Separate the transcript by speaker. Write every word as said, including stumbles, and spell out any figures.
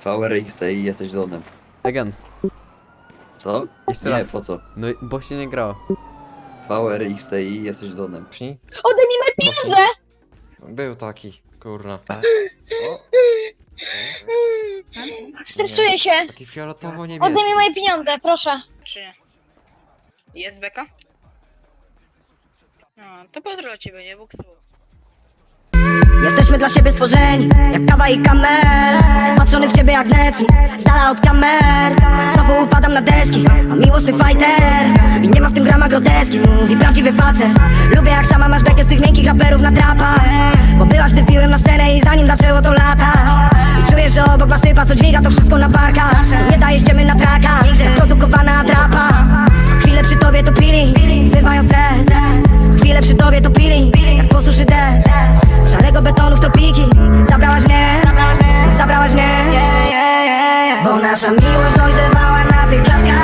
Speaker 1: V R X T i jesteś zonem.
Speaker 2: Again.
Speaker 1: Co?
Speaker 2: Jeszcze
Speaker 1: Nie,
Speaker 2: raz.
Speaker 1: po co?
Speaker 2: No bo się nie grało.
Speaker 1: V R X T i jesteś zonem.
Speaker 3: Psi?
Speaker 4: Odejmij moje pieniądze!
Speaker 3: Był taki, kurna. O,
Speaker 4: Stresuję się.
Speaker 3: taki fioletowo-niebieski.
Speaker 4: Odejmij moje pieniądze, proszę.
Speaker 5: Czy nie? Jest beka? No, to pozdro dla ciebie, nie? Bóg słów.
Speaker 6: Jesteśmy dla siebie stworzeni, jak kawa i kamel. Wpatrzony w ciebie jak Netflix, z dala od kamer. Znowu upadam na deski, a miłosny fighter. I nie ma w tym grama groteski, mówi prawdziwy facet. Lubię jak sama masz bekę z tych miękkich raperów na trapach. Bo byłaś, gdy wbiłem na scenę i zanim zaczęło to lata. I czujesz, że obok masz typa, co dźwiga to wszystko na barkach. To nie daje ściemy na traka, jak produkowana atrapa. Chwilę przy tobie to pili, zmywają stres. Chwilę przy tobie to pili, jak po suszy deszcz. Z szarego betonu w tropiki zabrałaś mnie, zabrałaś mnie. Bo nasza miłość dojrzewała na tych klatkach.